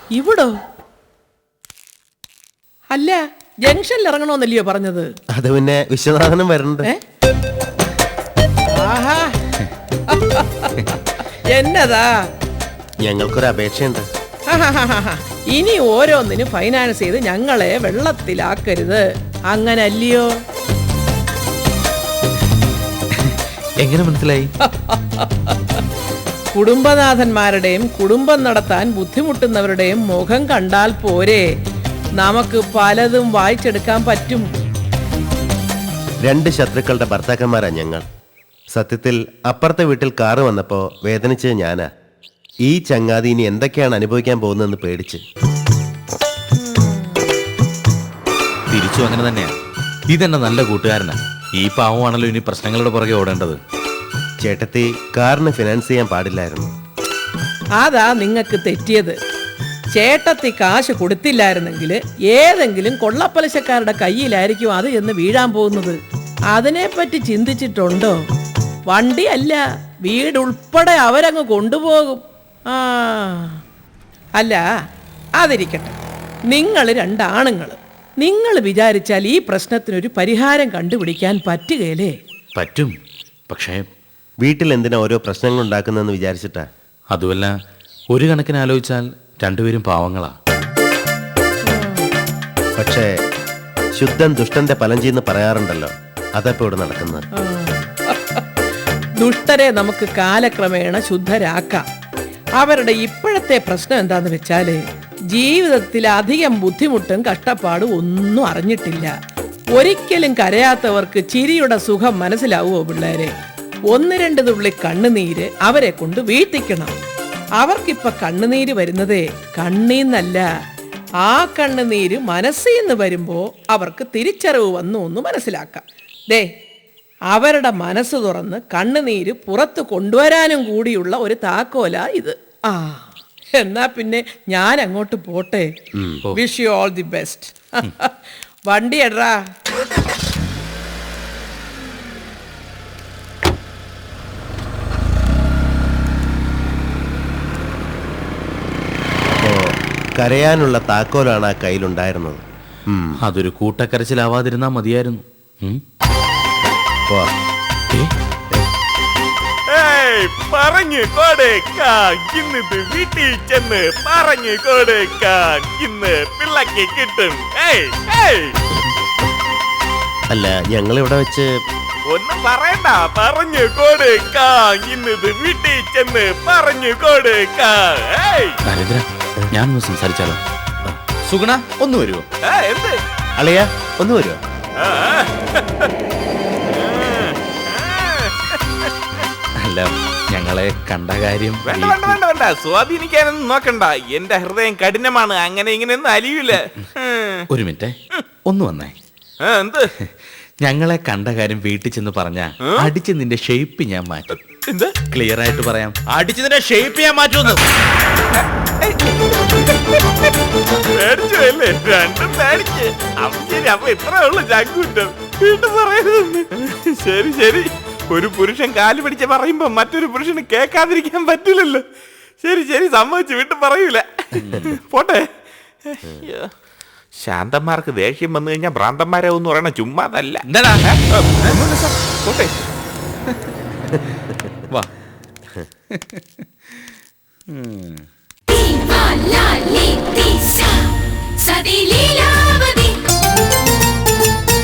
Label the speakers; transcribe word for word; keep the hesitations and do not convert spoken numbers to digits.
Speaker 1: ഇവിടോ? അല്ല, ജംഗ്ഷനിൽ ഇറങ്ങണമെന്നല്ലയോ പറഞ്ഞത്?
Speaker 2: അത് പിന്നെ വിശ്വനാഥനും വരണ്ട്.
Speaker 1: ആഹാ, എന്നതാ?
Speaker 2: ഞങ്ങൾക്കൊരു അപേക്ഷയുണ്ട്.
Speaker 1: ഇനി ഓരോന്നിനും ഫൈനാൻസ് ചെയ്ത് ഞങ്ങളെ വെള്ളത്തിലാക്കരുത്, അങ്ങനല്ലയോ?
Speaker 3: എങ്ങനെ മനസ്സിലായി?
Speaker 1: കുടുംബനാഥന്മാരുടെയും കുടുംബം നടത്താൻ ബുദ്ധിമുട്ടുന്നവരുടെയും മുഖം കണ്ടാൽ പോരെ നമുക്ക് പലതും വായിച്ചെടുക്കാൻ പറ്റും.
Speaker 2: രണ്ട് ശത്രുക്കളുടെ ഭർത്താക്കന്മാരാ ഞങ്ങൾ. സത്യത്തിൽ അപ്പുറത്തെ വീട്ടിൽ കാറ് വന്നപ്പോ വേദനിച്ചത് ഞാനാ. ഈ ചങ്ങാതി ഇനി എന്തൊക്കെയാണ് അനുഭവിക്കാൻ പോകുന്നതെന്ന് പേടിച്ച്.
Speaker 3: തിരിച്ചു അങ്ങനെ തന്നെയാ. ഇതെന്നെ നല്ല കൂട്ടുകാരനാ. ഈ പാവമാണല്ലോ ഇനി പ്രശ്നങ്ങളുടെ പുറകെ ഓടേണ്ടത്.
Speaker 2: ചേട്ടത്തി, കാറിന് ഫിനാൻസ് ചെയ്യാൻ പാടില്ലായിരുന്നു.
Speaker 1: അതാ നിങ്ങൾക്ക് തെറ്റിയത്. ചേട്ടത്തി കാശ് കൊടുത്തില്ലായിരുന്നെങ്കിൽ ഏതെങ്കിലും കൊള്ളപ്പലിശക്കാരുടെ കയ്യിലായിരിക്കും അത് എന്ന് വീഴാൻ പോകുന്നത്. അതിനെപ്പറ്റി ചിന്തിച്ചിട്ടുണ്ടോ? വണ്ടിയല്ല, വീടുൾപ്പെടെ അവരങ്ങ് കൊണ്ടുപോകും. ആ അല്ല, അതിരിക്കട്ടെ. നിങ്ങൾ രണ്ടാണുങ്ങൾ, നിങ്ങൾ വിചാരിച്ചാൽ ഈ പ്രശ്നത്തിനൊരു പരിഹാരം കണ്ടുപിടിക്കാൻ പറ്റുകയില്ലേ?
Speaker 3: പറ്റും, പക്ഷേ
Speaker 2: വീട്ടിൽ എന്തിനാ ഓരോ പ്രശ്നങ്ങൾ ഉണ്ടാക്കുന്നതെന്ന് വിചാരിച്ചിട്ടാ.
Speaker 3: അതുമല്ല, ഒരു കണക്കിന് ആലോചിച്ചാൽ രണ്ടുപേരും പാവങ്ങളാ.
Speaker 2: പക്ഷേ ശുദ്ധൻ ദുഷ്ടന്റെ ഫലം ചെയ്യുന്ന പറയാറുണ്ടല്ലോ, അതപ്പോ ഇവിടെ നടക്കുന്നത്.
Speaker 1: ദുഷ്ടരെ നമുക്ക് കാലക്രമേണ ശുദ്ധരാക്കാം. അവരുടെ ഇപ്പോഴത്തെ പ്രശ്നം എന്താന്ന് വെച്ചാല് ജീവിതത്തിൽ അധികം ബുദ്ധിമുട്ടും കഷ്ടപ്പാടും ഒന്നും അറിഞ്ഞിട്ടില്ല. ഒരിക്കലും കരയാത്തവർക്ക് ചിരിയുടെ സുഖം മനസ്സിലാവുമോ പിള്ളേരെ? ഒന്ന് രണ്ട് തുള്ളി കണ്ണുനീര് അവരെ കൊണ്ട് വീഴ്ത്തിക്കണം. അവർക്കിപ്പൊ കണ്ണുനീര് വരുന്നതേ കണ്ണീന്നല്ല, ആ കണ്ണുനീര് മനസ്സിന്ന് വരുമ്പോ അവർക്ക് തിരിച്ചറിവ് വന്നു എന്ന് മനസ്സിലാക്കാം. ദേ, അവരുടെ മനസ്സ് തുറന്ന് കണ്ണുനീര് പുറത്ത് കൊണ്ടുവരാനും കൂടിയുള്ള ഒരു താക്കോല ഇത്. ആ എന്നാ പിന്നെ ഞാൻ അങ്ങോട്ട് പോട്ടെ. Wish you all the best. വണ്ടി എടാ.
Speaker 2: കരയാനുള്ള താക്കോലാണ് ആ കയ്യിലുണ്ടായിരുന്നത്.
Speaker 3: അതൊരു കൂട്ടക്കരച്ചിലാവാതിരുന്നാ മതിയായിരുന്നു.
Speaker 4: പറഞ്ഞു കൊടുക്കാൻ ഇന്നിത് വീട്ടിൽ ചെന്ന് പറഞ്ഞു കൊടുക്കാൻ ഇന്ന് പിള്ളക്ക് കിട്ടും.
Speaker 2: അല്ല, ഞങ്ങൾ ഇവിടെ വെച്ച്
Speaker 4: ഒന്നും പറയണ്ട, പറഞ്ഞു കൊടുക്കാൻ ഇന്നിത് വീട്ടിൽ ചെന്ന് പറഞ്ഞു കൊടുക്കാൻ.
Speaker 3: നരേന്ദ്ര, ഞാനൊന്ന് സംസാരിച്ചാലോ? സുഗുണ, ഒന്ന് വരുമോ?
Speaker 4: എന്ത്
Speaker 2: അളിയ, ഒന്ന് വരുമോ?
Speaker 3: അല്ല, ഞങ്ങളെ കണ്ട കാര്യം.
Speaker 4: വേണ്ട വേണ്ട വേണ്ട വേണ്ട, സ്വാധീനിക്കാനൊന്നും നോക്കണ്ട. എന്റെ ഹൃദയം കഠിനമാണ്, അങ്ങനെ ഇങ്ങനെയൊന്നും അലിയൂല.
Speaker 3: ഒരു മിനിറ്റ്, ഒന്ന് വന്നേ.
Speaker 4: എന്ത്?
Speaker 3: ഞങ്ങളെ കണ്ട കാര്യം വീട്ടിൽ ചെന്ന് പറഞ്ഞാ അടിച്ച് നിന്റെ ഷേപ്പ് ഞാൻ മാറ്റും.
Speaker 4: എന്ത്?
Speaker 3: ക്ലിയർ ആയിട്ട് പറയാം, അടിച്ച് നിന്റെ ഷേപ്പ് ഞാൻ മാറ്റുമെന്ന്.
Speaker 4: പേടിച്ചല്ലേ? രണ്ടും പേടിച്ച്. അപ്പൊ ശരി, അപ്പൊ ഇത്രേ ഉള്ളു ചങ്കൂറ്റം. വീണ്ടും പറയരുതെന്ന്. ശരി ശരി, ഒരു പുരുഷൻ കാല് പിടിച്ച് പറയുമ്പോ മറ്റൊരു പുരുഷന് കേൾക്കാതിരിക്കാൻ പറ്റില്ലല്ലോ. ശരി ശരി, സമ്മതിച്ചു, വീണ്ടും പറയൂല. പോട്ടെ. ശാന്തന്മാർക്ക് ദേഷ്യം വന്നു കഴിഞ്ഞാൽ ഭ്രാന്തന്മാരാവെന്ന് പറയണ ചുമ്മാതല്ല. പോട്ടെ.
Speaker 3: വാ.